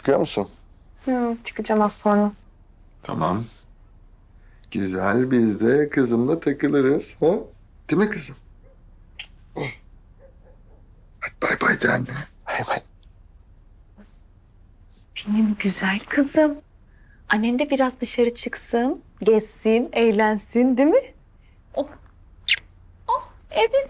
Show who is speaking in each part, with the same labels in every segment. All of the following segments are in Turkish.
Speaker 1: Çıkıyor musun?
Speaker 2: Çıkacağım az sonra.
Speaker 1: Tamam. Güzel, biz de kızımla takılırız. Ha? Değil mi kızım? Oh. Hadi bay bay de anne. Bay bay.
Speaker 2: Benim güzel kızım. Annen de biraz dışarı çıksın, gezsin, eğlensin değil mi? Oh, evet.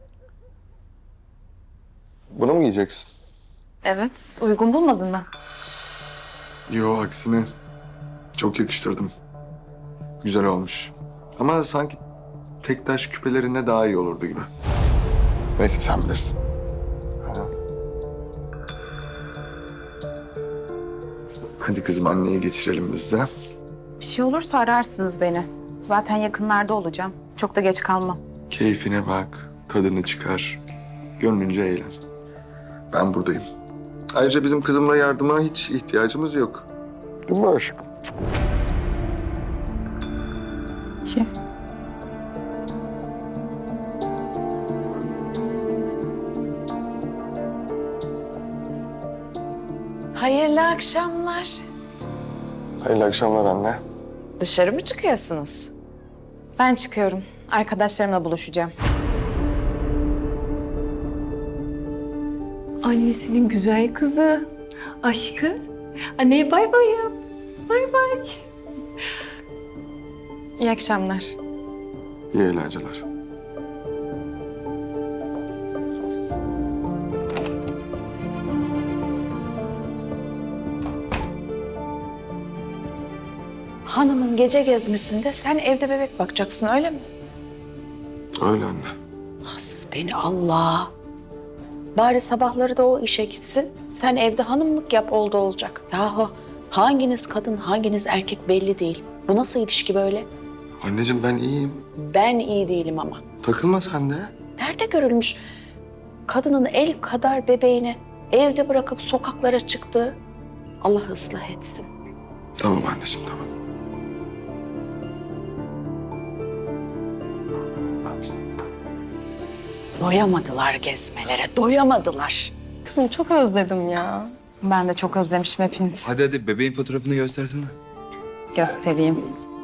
Speaker 1: Bunu mu giyeceksin?
Speaker 2: Evet, uygun bulmadın mı?
Speaker 1: Yo, aksine. Çok yakıştırdım. Güzel olmuş. Ama sanki tek taş küpelerine daha iyi olurdu gibi. Neyse sen bilirsin. Ha. Hadi kızım anneye geçirelim biz de.
Speaker 2: Bir şey olursa ararsınız beni. Zaten yakınlarda olacağım. Çok da geç kalmam.
Speaker 1: Keyfine bak, tadını çıkar. Gönlünce eğlen. Ben buradayım. Ayrıca bizim kızımla yardıma hiç ihtiyacımız yok. Değil mi aşkım?
Speaker 2: Ki?
Speaker 3: Hayırlı akşamlar.
Speaker 1: Hayırlı akşamlar anne.
Speaker 3: Dışarı mı çıkıyorsunuz?
Speaker 2: Ben çıkıyorum. Arkadaşlarımla buluşacağım. Annesinin güzel kızı. Aşkı. Anneye bay bay yap. Bay bay. İyi akşamlar.
Speaker 1: İyi eğlenceler.
Speaker 3: Hanımın gece gezmesinde sen evde bebek bakacaksın öyle mi?
Speaker 1: Öyle anne.
Speaker 3: Has beni Allah. Bari sabahları da o işe gitsin. Sen evde hanımlık yap oldu olacak. Yahu hanginiz kadın hanginiz erkek belli değil. Bu nasıl ilişki böyle?
Speaker 1: Anneciğim ben iyiyim.
Speaker 3: Ben iyi değilim ama.
Speaker 1: Takılma sen de.
Speaker 3: Nerede görülmüş kadının el kadar bebeğini evde bırakıp sokaklara çıktı? Allah ıslah etsin.
Speaker 1: Tamam anneciğim tamam.
Speaker 3: Doyamadılar gezmelere, doyamadılar.
Speaker 2: Kızım çok özledim ya. Ben de çok özlemişim hepinizi.
Speaker 4: Hadi bebeğin fotoğrafını göstersene.
Speaker 2: Göstereyim.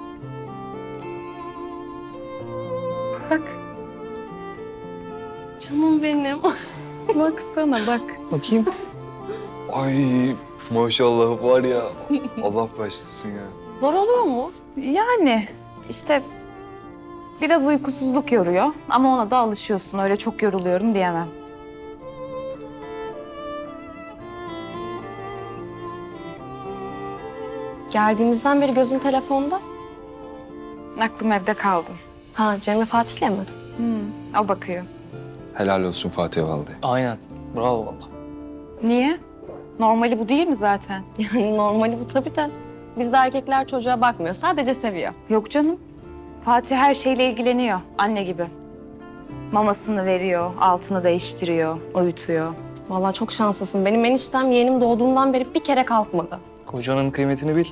Speaker 2: Bak. Canım benim. Baksana bak.
Speaker 5: Bakayım. Ay maşallah var ya. Allah başlasın ya.
Speaker 2: Zor oluyor mu? Yani işte biraz uykusuzluk yoruyor ama ona da alışıyorsun. Öyle çok yoruluyorum diyemem.
Speaker 6: Geldiğimizden beri gözün telefonda.
Speaker 2: Aklım evde kaldı.
Speaker 6: Ha Cemre Fatih'le mi?
Speaker 2: O bakıyor.
Speaker 5: Helal olsun Fatih Valide.
Speaker 7: Aynen. Bravo valla.
Speaker 2: Niye? Normali bu değil mi zaten?
Speaker 6: Yani normali bu tabii de. Bizde erkekler çocuğa bakmıyor. Sadece seviyor.
Speaker 2: Yok canım. Fatih her şeyle ilgileniyor. Anne gibi. Mamasını veriyor, altını değiştiriyor, uyutuyor.
Speaker 6: Vallahi çok şanslısın. Benim eniştem yeğenim doğduğundan beri bir kere kalkmadı.
Speaker 7: Kocanın kıymetini bil.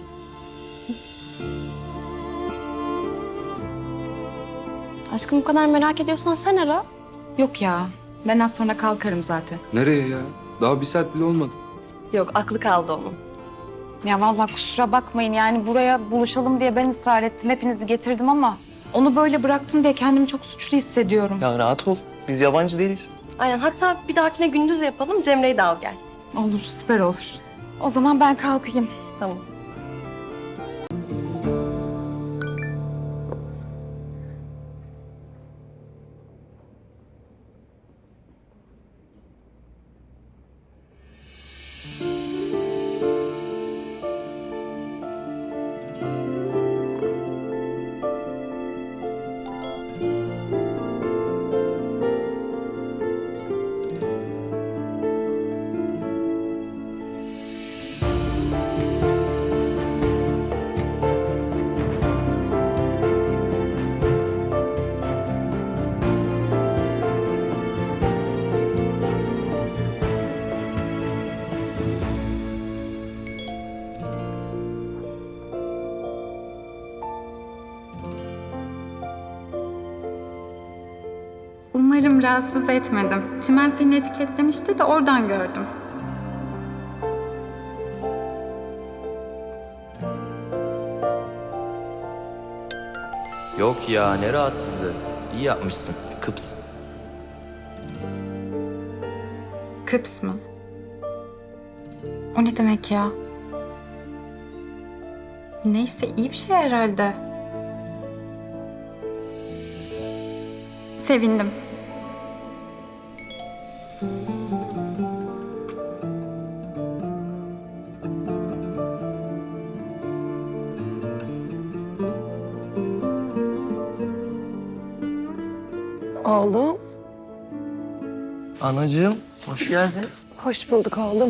Speaker 6: Aşkım bu kadar merak ediyorsan sen ara.
Speaker 2: Yok ya. Ben az sonra kalkarım zaten.
Speaker 4: Nereye ya? Daha bir saat bile olmadı.
Speaker 6: Yok aklı kaldı onun.
Speaker 2: Ya vallahi kusura bakmayın yani buraya buluşalım diye ben ısrar ettim. Hepinizi getirdim ama onu böyle bıraktım diye kendimi çok suçlu hissediyorum.
Speaker 7: Ya rahat ol. Biz yabancı değiliz.
Speaker 6: Aynen hatta bir dahakine gündüz yapalım. Cemre'yi de al gel.
Speaker 2: Olur, süper olur. O zaman ben kalkayım.
Speaker 6: Tamam.
Speaker 8: Umarım rahatsız etmedim. Çimen seni etiketlemişti de oradan gördüm.
Speaker 9: Yok ya, ne rahatsızlığı. İyi yapmışsın. Kıps.
Speaker 8: Kıps mı? O ne demek ya? Neyse iyi bir şey herhalde. Sevindim.
Speaker 3: Oğlum.
Speaker 7: Anacığım, hoş geldin.
Speaker 3: Hoş bulduk oğlum.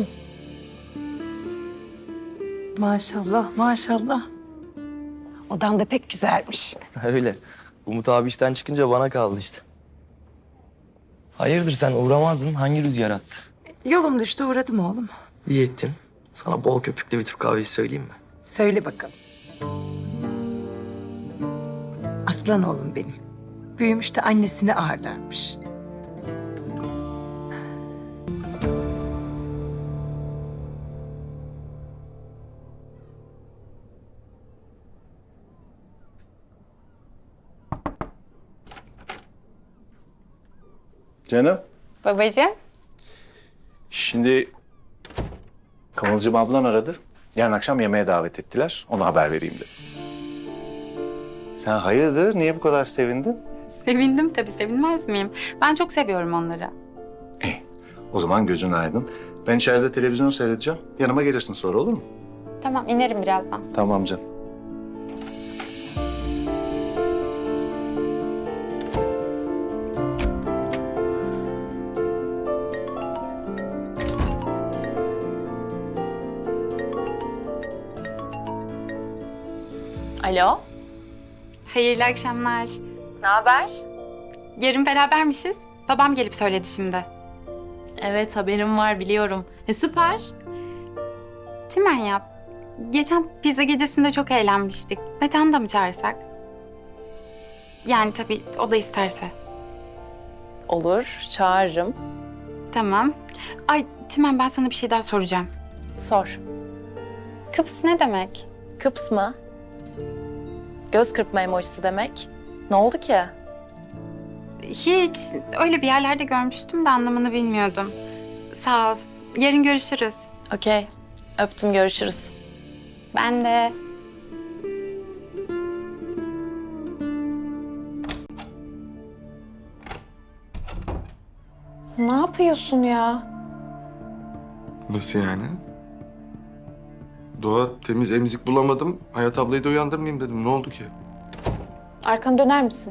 Speaker 3: Maşallah, maşallah. Odan da pek güzelmiş.
Speaker 9: Öyle. Umut abi işten çıkınca bana kaldı işte. Hayırdır, sen uğramazdın? Hangi rüzgar attı?
Speaker 3: Yolum düştü, uğradım oğlum.
Speaker 9: İyi ettin. Sana bol köpüklü bir Türk kahvesi söyleyeyim mi?
Speaker 3: Söyle bakalım. Aslan oğlum benim. Büyümüş de annesini ağırlarmış.
Speaker 10: Canım,
Speaker 8: Babacığım.
Speaker 10: şimdi Kıvılcım ablan aradı. Yarın akşam yemeğe davet ettiler. Ona haber vereyim dedim. Sen hayırdır? Niye bu kadar sevindin?
Speaker 8: Sevindim tabii, sevinmez miyim? Ben çok seviyorum onları.
Speaker 10: O zaman gözün aydın. Ben içeride televizyon seyredeceğim. Yanıma gelirsin sonra, olur mu?
Speaker 8: Tamam, inerim birazdan.
Speaker 10: Tamam canım.
Speaker 6: Alo.
Speaker 8: Hayırlı akşamlar.
Speaker 6: Ne haber?
Speaker 8: Yarın berabermişiz. Babam gelip söyledi şimdi.
Speaker 6: Evet, haberim var, biliyorum. Süper.
Speaker 8: Çimen yap. Geçen pizza gecesinde çok eğlenmiştik. Metehan'ı da mı çağırsak? Yani tabii o da isterse.
Speaker 6: Olur, çağırırım.
Speaker 8: Tamam. Ay Çimen, ben sana bir şey daha soracağım.
Speaker 6: Sor.
Speaker 8: Kıps ne demek?
Speaker 6: Kıps mı? Göz kırpma emojisi demek. Ne oldu ki?
Speaker 8: Hiç. Öyle bir yerlerde görmüştüm de anlamını bilmiyordum. Sağ ol. Yarın görüşürüz.
Speaker 6: Okey. Öptüm, görüşürüz.
Speaker 8: Ben de.
Speaker 2: Ne yapıyorsun ya?
Speaker 1: Nasıl yani? Doğa, temiz emzik bulamadım. Hayat ablayı da uyandırmayayım dedim. Ne oldu ki?
Speaker 2: Arkanı döner misin?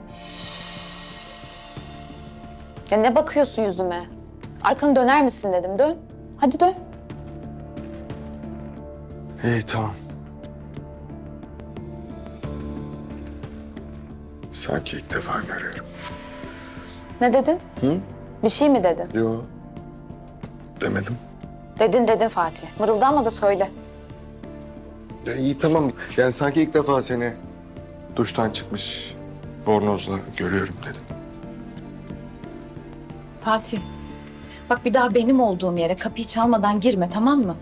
Speaker 2: Ya ne bakıyorsun yüzüme? Arkanı döner misin dedim. Dön. Hadi dön.
Speaker 1: İyi, tamam. Sanki ilk defa görüyorum.
Speaker 2: Ne dedin?
Speaker 1: Hı?
Speaker 2: Bir şey mi dedin?
Speaker 1: Yo. Demedim.
Speaker 2: Dedin Fatih. Mırıldanma da söyle.
Speaker 1: Ya iyi, tamam. Yani sanki ilk defa seni duştan çıkmış bornozla görüyorum dedim.
Speaker 3: Fatih, bak bir daha benim olduğum yere kapıyı çalmadan girme, tamam mı?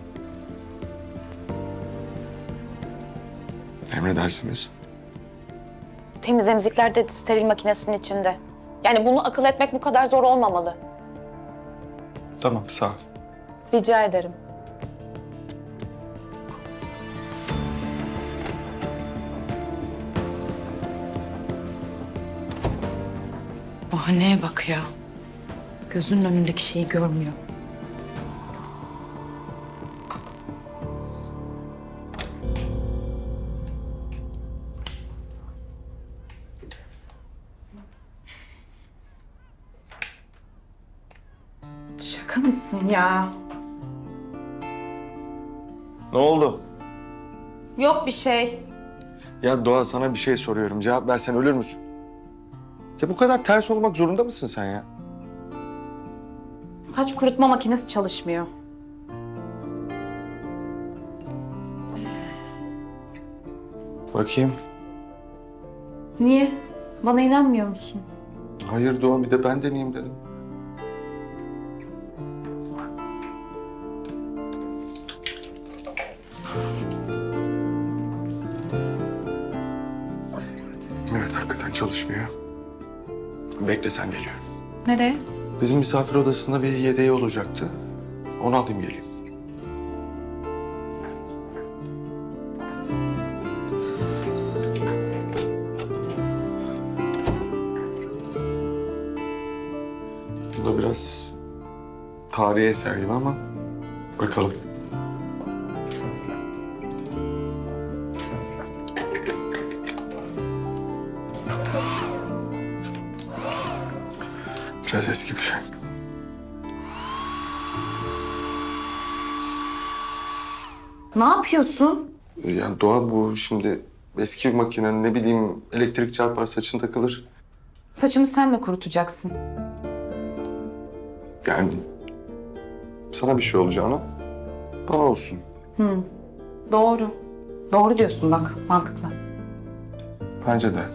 Speaker 1: Emredersiniz.
Speaker 2: Temiz emzikler de steril makinesinin içinde. Yani bunu akıl etmek bu kadar zor olmamalı.
Speaker 1: Tamam, sağ ol.
Speaker 2: Rica ederim.
Speaker 3: Bahaneye bak ya. Gözünün önündeki şeyi görmüyor. Şaka mısın ya?
Speaker 1: Ne oldu?
Speaker 3: Yok bir şey.
Speaker 1: Ya Doğa, sana bir şey soruyorum. Cevap versen ölür müsün? Ya bu kadar ters olmak zorunda mısın sen ya?
Speaker 3: Saç kurutma makinesi çalışmıyor.
Speaker 1: Bakayım.
Speaker 3: Niye? Bana inanmıyor musun?
Speaker 1: Hayır Doğa, bir de ben deneyeyim dedim. Evet, hakikaten çalışmıyor. Bekle sen geliyorum.
Speaker 2: Nereye?
Speaker 1: Bizim misafir odasında bir yedeği olacaktı. Onu alayım geleyim. Bu da biraz tarihi eser gibi ama bakalım. Biraz eski bir şey.
Speaker 2: Ne yapıyorsun?
Speaker 1: Yani Doğa bu şimdi eski bir makinenin ne bileyim elektrik çarpar saçın takılır.
Speaker 2: Saçımı sen mi kurutacaksın?
Speaker 1: Yani sana bir şey olacağına bana olsun.
Speaker 2: Doğru. Doğru diyorsun bak. Mantıklı.
Speaker 1: Bence de.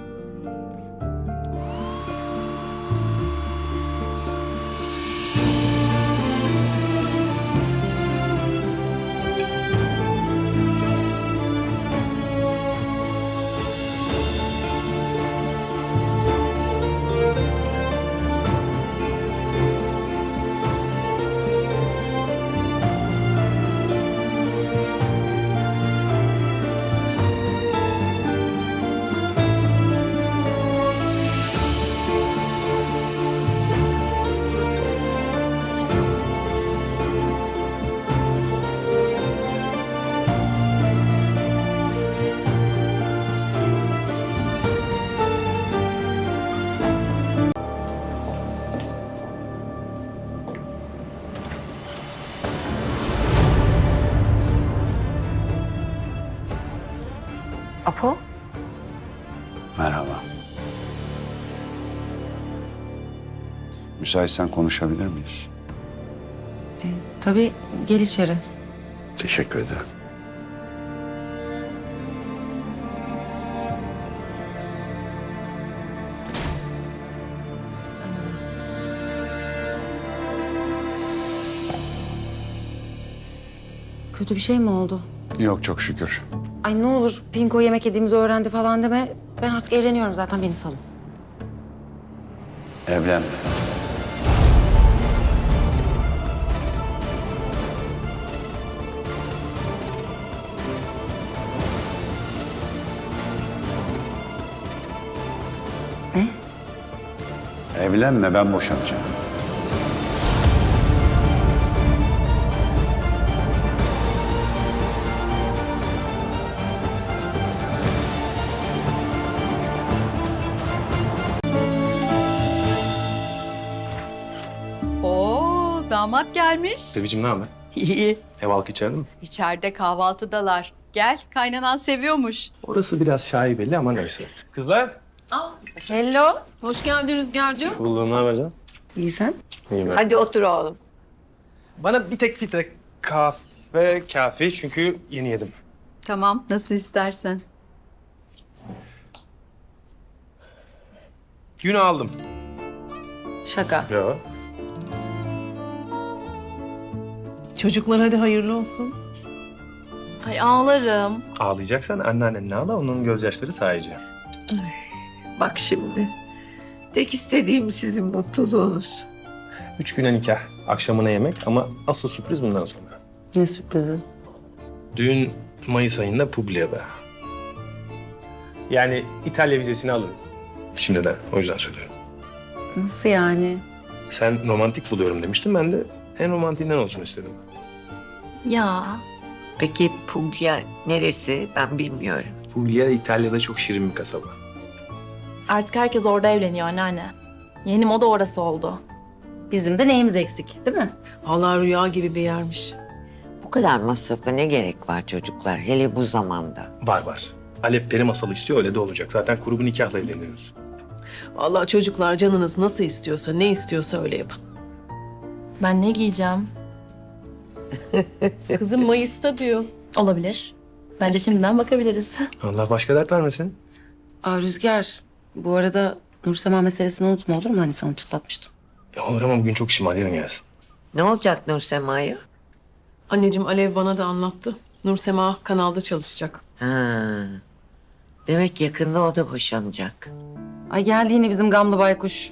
Speaker 3: Apo?
Speaker 11: Merhaba. Müsaitsen konuşabilir miyiz?
Speaker 3: Tabii, gel içeri.
Speaker 11: Teşekkür ederim.
Speaker 3: Kötü bir şey mi oldu?
Speaker 11: Yok çok şükür.
Speaker 3: Ay ne olur Pinko yemek yediğimizi öğrendi falan deme. Ben artık evleniyorum zaten, beni salın.
Speaker 11: Evlenme.
Speaker 3: Ne?
Speaker 11: Evlenme, ben boşanacağım.
Speaker 12: Oo, damat gelmiş.
Speaker 7: Sevicim ne haber?
Speaker 12: İyi.
Speaker 7: Ev halkı içeride mi?
Speaker 12: İçeride kahvaltıdalar. Gel, kaynanan seviyormuş.
Speaker 7: Orası biraz şaibeli ama neyse. Kızlar.
Speaker 3: Hello.
Speaker 6: Hoş geldin Rüzgar'cığım.
Speaker 7: Bulduğum ne haber canım?
Speaker 3: İyi sen?
Speaker 7: İyiyim ben.
Speaker 12: Hadi otur oğlum.
Speaker 7: Bana bir tek filtre kahve kafi çünkü yeni yedim.
Speaker 12: Tamam, nasıl istersen.
Speaker 7: Günü aldım.
Speaker 3: Şaka.
Speaker 7: Yo.
Speaker 6: Çocuklar hadi hayırlı olsun.
Speaker 2: Ay ağlarım.
Speaker 7: Ağlayacaksan anneannenle ağla, onun gözyaşları sayıcı.
Speaker 12: Bak şimdi. Tek istediğim sizin mutluluğunuz.
Speaker 7: 3 güne nikah, akşamına yemek ama asıl sürpriz bundan sonra.
Speaker 3: Ne sürprizi?
Speaker 7: Düğün Mayıs ayında Publia'da. Yani İtalya vizesini alın. Şimdiden, o yüzden söylüyorum.
Speaker 3: Nasıl yani?
Speaker 7: Sen romantik buluyorum demiştin, ben de en romantiğinden olsun istedim.
Speaker 2: Ya.
Speaker 12: Peki Puglia neresi? Ben bilmiyorum.
Speaker 7: Puglia İtalya'da çok şirin bir kasaba.
Speaker 2: Artık herkes orada evleniyor anneanne. Yeni moda orası oldu.
Speaker 3: Bizim de neyimiz eksik, değil mi?
Speaker 6: Allah rüya gibi bir yermiş.
Speaker 12: Bu kadar masrafa ne gerek var çocuklar? Hele bu zamanda.
Speaker 7: Var var. Alep peri masalı istiyor, öyle de olacak. Zaten kuru bir nikahla evleniyoruz.
Speaker 6: Vallahi çocuklar canınız nasıl istiyorsa, ne istiyorsa öyle yapın.
Speaker 2: Ben ne giyeceğim?
Speaker 6: Kızım Mayıs'ta diyor.
Speaker 2: Olabilir. Bence şimdiden bakabiliriz.
Speaker 7: Allah başka dert vermesin.
Speaker 3: Aa Rüzgar, bu arada Nursema meselesini unutma, olur mu? Hani sana çıtlatmıştım.
Speaker 7: Ya olur ama bugün çok işim var, yarın gelsin.
Speaker 12: Ne olacak Nursema'ya?
Speaker 6: Anneciğim Alev bana da anlattı. Nursema kanalda çalışacak.
Speaker 12: Ha. Demek yakında o da boşanacak.
Speaker 3: Ay geldi yine bizim gamlı baykuş.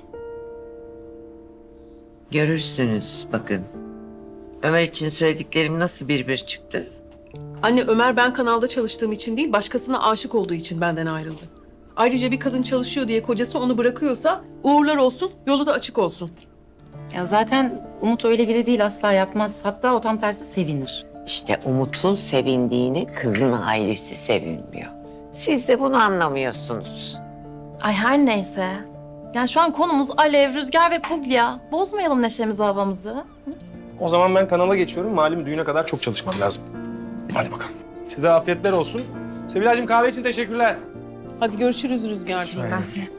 Speaker 12: Görürsünüz bakın. Ömer için söylediklerim nasıl bir çıktı?
Speaker 13: Anne Ömer ben kanalda çalıştığım için değil başkasına aşık olduğu için benden ayrıldı. Ayrıca bir kadın çalışıyor diye kocası onu bırakıyorsa uğurlar olsun, yolu da açık olsun.
Speaker 3: Ya zaten Umut öyle biri değil, asla yapmaz. Hatta o tam tersi sevinir.
Speaker 12: İşte Umut'un sevindiğini kızın ailesi sevinmiyor. Siz de bunu anlamıyorsunuz.
Speaker 6: Ay her neyse. Yani şu an konumuz Alev, Rüzgar ve Puglia. Bozmayalım neşemizi, havamızı.
Speaker 7: O zaman ben kanala geçiyorum. Malum düğüne kadar çok çalışmam lazım. Hadi bakalım. Size afiyetler olsun. Sevilay'cığım kahve için teşekkürler.
Speaker 13: Hadi görüşürüz Rüzgar'cığım.
Speaker 7: Aynen.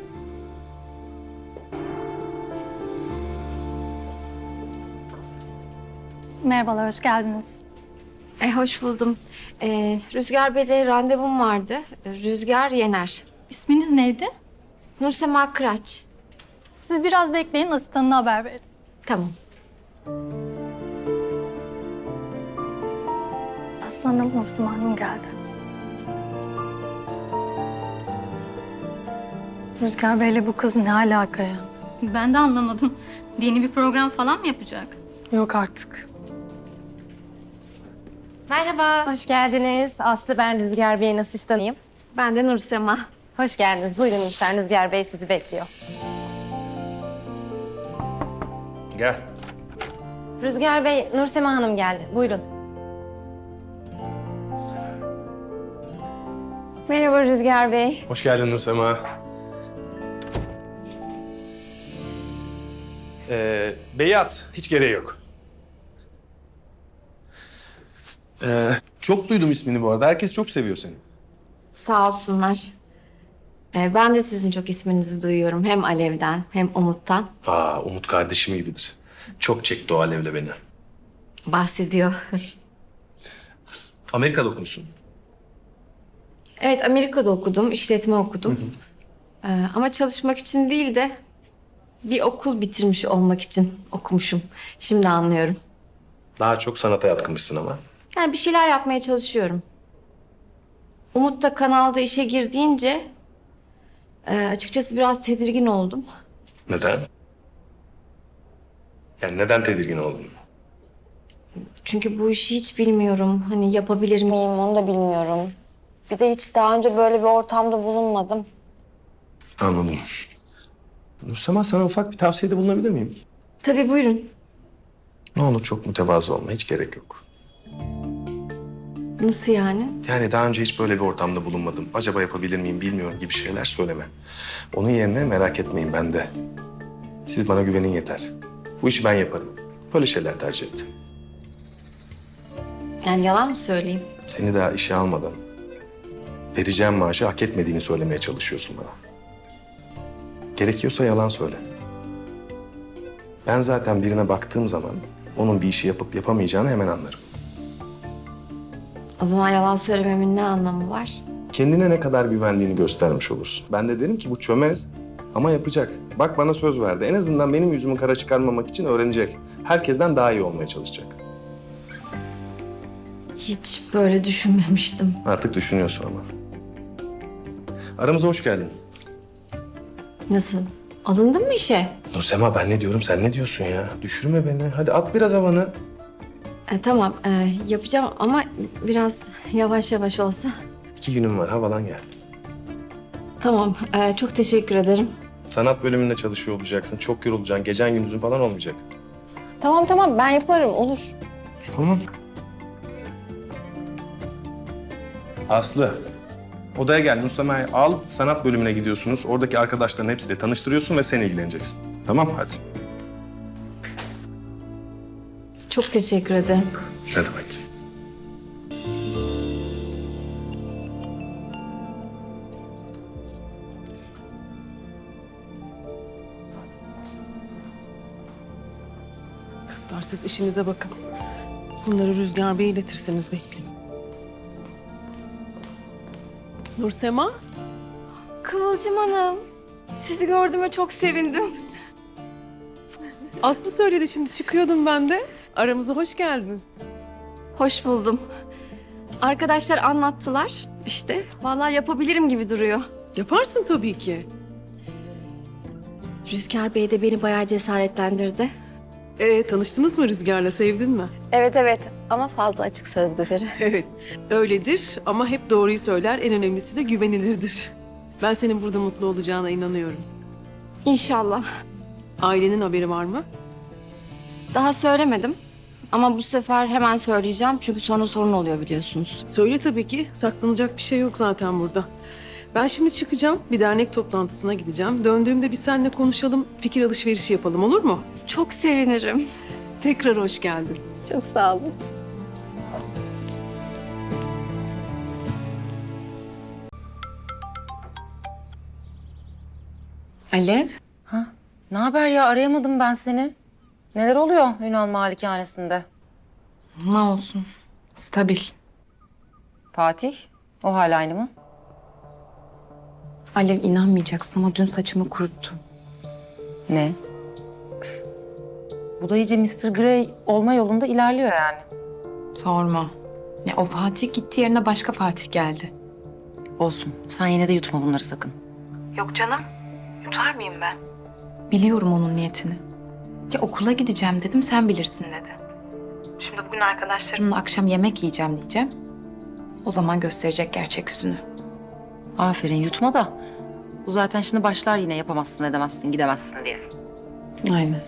Speaker 8: Merhabalar, hoş geldiniz.
Speaker 2: Hoş buldum. Rüzgar Bey'le randevum vardı. Rüzgar Yener.
Speaker 8: İsminiz neydi?
Speaker 2: Nursema Kıraç.
Speaker 8: Siz biraz bekleyin, asistanına haber verin.
Speaker 2: Tamam.
Speaker 8: Aslanım, Nursema Hanım geldi. Rüzgar Bey'le bu kız ne alaka ya? Ben de anlamadım. Yeni bir program falan mı yapacak? Yok artık.
Speaker 2: Merhaba.
Speaker 6: Hoş geldiniz. Aslı, ben Rüzgar Bey'in asistanıyım.
Speaker 2: Ben de Nursema.
Speaker 6: Hoş geldiniz. Buyurun lütfen, Rüzgar Bey sizi bekliyor.
Speaker 7: Gel.
Speaker 6: Rüzgar Bey, Nursema Hanım geldi. Buyurun.
Speaker 2: Merhaba Rüzgar Bey.
Speaker 7: Hoş geldin Nursema. Beyat, hiç gereği yok. Çok duydum ismini bu arada. Herkes çok seviyor seni.
Speaker 2: Sağ olsunlar. Ben de sizin çok isminizi duyuyorum. Hem Alev'den hem Umut'tan.
Speaker 7: Umut kardeşim gibidir. Çok çekti o Alev'le beni.
Speaker 2: Bahsediyor.
Speaker 7: Amerika'da okumuşsun.
Speaker 2: Evet, Amerika'da okudum, işletme okudum. Ama çalışmak için değil de bir okul bitirmiş olmak için okumuşum. Şimdi anlıyorum.
Speaker 7: Daha çok sanata yatkınmışsın ama.
Speaker 2: Yani bir şeyler yapmaya çalışıyorum. Umut da kanalda işe girdiğince açıkçası biraz tedirgin oldum.
Speaker 7: Neden? Yani neden tedirgin oldun?
Speaker 2: Çünkü bu işi hiç bilmiyorum. Hani yapabilir miyim onu da bilmiyorum. Bir de hiç daha önce böyle bir ortamda bulunmadım.
Speaker 7: Anladım. Nursema, sana ufak bir tavsiyede bulunabilir miyim?
Speaker 2: Tabii buyurun.
Speaker 7: Ne olur çok mütevazı olma, hiç gerek yok.
Speaker 2: Nasıl yani?
Speaker 7: Yani daha önce hiç böyle bir ortamda bulunmadım. Acaba yapabilir miyim bilmiyorum gibi şeyler söyleme. Onun yerine merak etmeyin ben de. Siz bana güvenin yeter. Bu işi ben yaparım. Böyle şeyler tercih et.
Speaker 2: Yani yalan mı söyleyeyim?
Speaker 7: Seni daha işe almadan vereceğim maaşı hak etmediğini söylemeye çalışıyorsun bana. Gerekiyorsa yalan söyle. Ben zaten birine baktığım zaman onun bir işi yapıp yapamayacağını hemen anlarım.
Speaker 2: O zaman yalan söylememin ne anlamı var?
Speaker 7: Kendine ne kadar güvendiğini göstermiş olursun. Ben de derim ki bu çömez ama yapacak. Bak bana söz verdi. En azından benim yüzümü kara çıkarmamak için öğrenecek. Herkesten daha iyi olmaya çalışacak.
Speaker 2: Hiç böyle düşünmemiştim.
Speaker 7: Artık düşünüyorsun ama. Aramıza hoş geldin.
Speaker 2: Nasıl? Alındın mı işe?
Speaker 7: Nursema, ben ne diyorum sen ne diyorsun ya? Düşürme beni. Hadi at biraz havanı.
Speaker 2: Tamam, yapacağım ama biraz yavaş yavaş olsa.
Speaker 7: 2 günüm var, havalan gel.
Speaker 2: Tamam, çok teşekkür ederim.
Speaker 7: Sanat bölümünde çalışıyor olacaksın. Çok yorulacaksın. Gecen gündüzün falan olmayacak.
Speaker 6: Tamam, ben yaparım, olur.
Speaker 7: Tamam. Aslı, odaya gel. Nursema'yı al. Sanat bölümüne gidiyorsunuz. Oradaki arkadaşların hepsiyle tanıştırıyorsun ve sen ilgileneceksin. Tamam, hadi.
Speaker 2: Çok teşekkür ederim.
Speaker 7: Ne demek?
Speaker 13: Kızlar siz işinize bakın. Bunları Rüzgar Bey'e iletirseniz bekleyeyim. Nursema?
Speaker 2: Kıvılcım Hanım, sizi gördüğüme çok sevindim.
Speaker 13: Aslı söyledi şimdi çıkıyordum ben de. Aramıza hoş geldin.
Speaker 2: Hoş buldum. Arkadaşlar anlattılar. İşte vallahi yapabilirim gibi duruyor.
Speaker 13: Yaparsın tabii ki.
Speaker 2: Rüzgar Bey de beni bayağı cesaretlendirdi.
Speaker 13: Tanıştınız mı Rüzgar'la, sevdin mi?
Speaker 2: Evet ama fazla açık sözlü biri.
Speaker 13: Evet, öyledir ama hep doğruyu söyler. En önemlisi de güvenilirdir. Ben senin burada mutlu olacağına inanıyorum.
Speaker 2: İnşallah.
Speaker 13: Ailenin haberi var mı?
Speaker 2: Daha söylemedim. Ama bu sefer hemen söyleyeceğim çünkü sonra sorun oluyor biliyorsunuz.
Speaker 13: Söyle tabii ki. Saklanacak bir şey yok zaten burada. Ben şimdi çıkacağım. Bir dernek toplantısına gideceğim. Döndüğümde bir seninle konuşalım, fikir alışverişi yapalım, olur mu?
Speaker 2: Çok sevinirim.
Speaker 13: Tekrar hoş geldin.
Speaker 2: Çok sağ olun.
Speaker 3: Alev. Ha? Ne haber ya? Arayamadım ben seni. Neler oluyor Ünal Malikanesi'nde?
Speaker 6: Ne olsun. Stabil.
Speaker 3: Fatih, o hala aynı mı?
Speaker 6: Alev inanmayacaksın ama dün saçımı kuruttu.
Speaker 3: Ne? Bu da iyice Mr. Grey olma yolunda ilerliyor yani.
Speaker 6: Sorma. Ya o Fatih gitti, yerine başka Fatih geldi.
Speaker 3: Olsun. Sen yine de yutma bunları sakın.
Speaker 6: Yok canım. Yutar mıyım ben? Biliyorum onun niyetini. Ya okula gideceğim dedim, sen bilirsin dedi. Şimdi bugün arkadaşlarımla akşam yemek yiyeceğim diyeceğim. O zaman gösterecek gerçek yüzünü.
Speaker 3: Aferin, yutma da. Bu zaten şimdi başlar yine yapamazsın, edemezsin, gidemezsin diye.
Speaker 6: Aynen.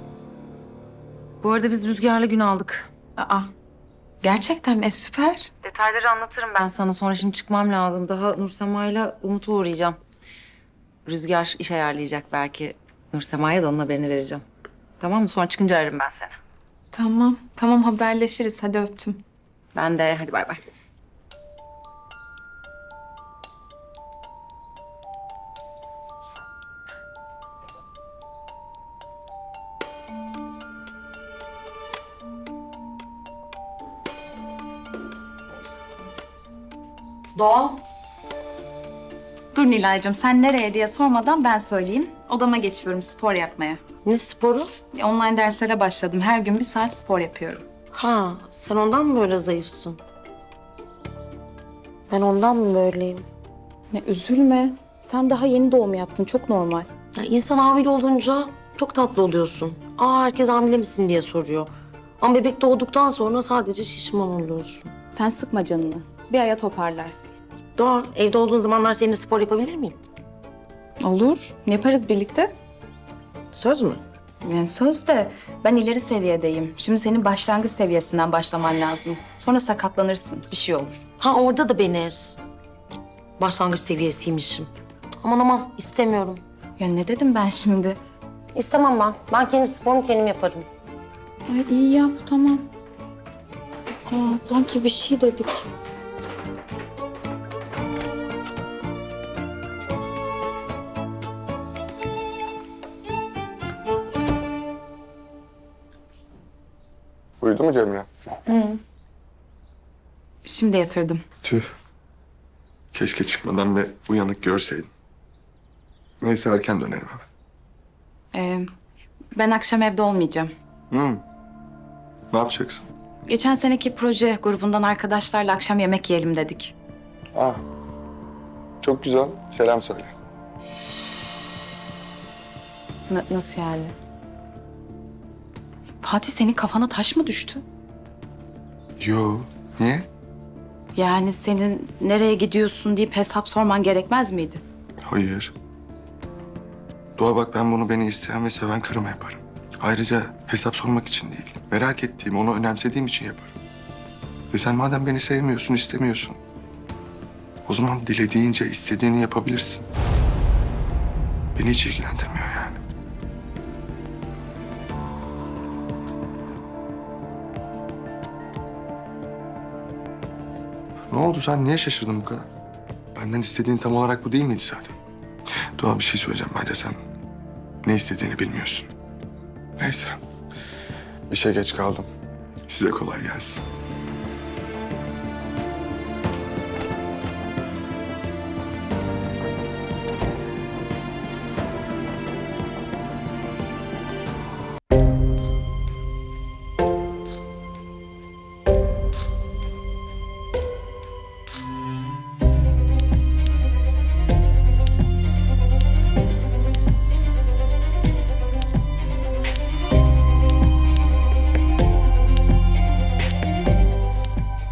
Speaker 3: Bu arada biz Rüzgar'la gün aldık.
Speaker 6: Aa, gerçekten mi? Süper.
Speaker 3: Detayları anlatırım ben sana. Sonra şimdi çıkmam lazım. Daha Nursema'yla Umut'u uğrayacağım. Rüzgar iş ayarlayacak belki. Nursema'ya da onun haberini vereceğim. Tamam mı? Sonra çıkınca ararım ben seni.
Speaker 6: Tamam haberleşiriz. Hadi öptüm.
Speaker 3: Ben de. Hadi bay bay.
Speaker 14: Doğa.
Speaker 6: Dur Nilay'cığım, sen nereye diye sormadan ben söyleyeyim. Odama geçiyorum spor yapmaya.
Speaker 14: Ne sporu?
Speaker 6: Online derslere başladım. Her gün 1 saat spor yapıyorum.
Speaker 14: Ha, sen ondan mı böyle zayıfsın? Ben ondan mı böyleyim?
Speaker 6: Ya üzülme. Sen daha yeni doğum yaptın. Çok normal.
Speaker 14: Ya insan hamile olunca çok tatlı oluyorsun. Herkes hamile misin diye soruyor. Ama bebek doğduktan sonra sadece şişman oluyorsun.
Speaker 6: Sen sıkma canını. Bir aya toparlarsın.
Speaker 14: Doğa, evde olduğun zamanlar seninle spor yapabilir miyim?
Speaker 6: Olur. Yaparız birlikte.
Speaker 14: Söz mü?
Speaker 6: Yani söz de ben ileri seviyedeyim. Şimdi senin başlangıç seviyesinden başlaman lazım. Sonra sakatlanırsın. Bir şey olur.
Speaker 14: Ha, orada da beni ez. Başlangıç seviyesiymişim. Aman istemiyorum.
Speaker 6: Ya ne dedim ben şimdi?
Speaker 14: İstemem ben. Ben kendi sporumu kendim yaparım.
Speaker 6: Ay iyi yap tamam. Sanki bir şey dedik.
Speaker 1: Uyudu mu Cemre?
Speaker 6: Şimdi yatırdım.
Speaker 1: Tüh. Keşke çıkmadan ve uyanık görseydin. Neyse erken dönerim abi.
Speaker 6: Ben akşam evde olmayacağım.
Speaker 1: Ne yapacaksın?
Speaker 6: Geçen seneki proje grubundan arkadaşlarla akşam yemek yiyelim dedik.
Speaker 1: Çok güzel. Selam söyle.
Speaker 6: Nasıl yani? Fatih, senin kafana taş mı düştü?
Speaker 1: Yo. Niye?
Speaker 6: Yani senin nereye gidiyorsun deyip hesap sorman gerekmez miydi?
Speaker 1: Hayır. Doğa bak, ben bunu beni isteyen ve seven karıma yaparım. Ayrıca hesap sormak için değil, merak ettiğim, onu önemsediğim için yaparım. Ve sen madem beni sevmiyorsun, istemiyorsun, o zaman dilediğince istediğini yapabilirsin. Beni hiç ilgilendirmiyor yani. Ne oldu, sen niye şaşırdın bu kadar? Benden istediğin tam olarak bu değil miydi zaten? Doğa, bir şey söyleyeceğim, bence sen ne istediğini bilmiyorsun. Neyse, işe geç kaldım. Size kolay gelsin.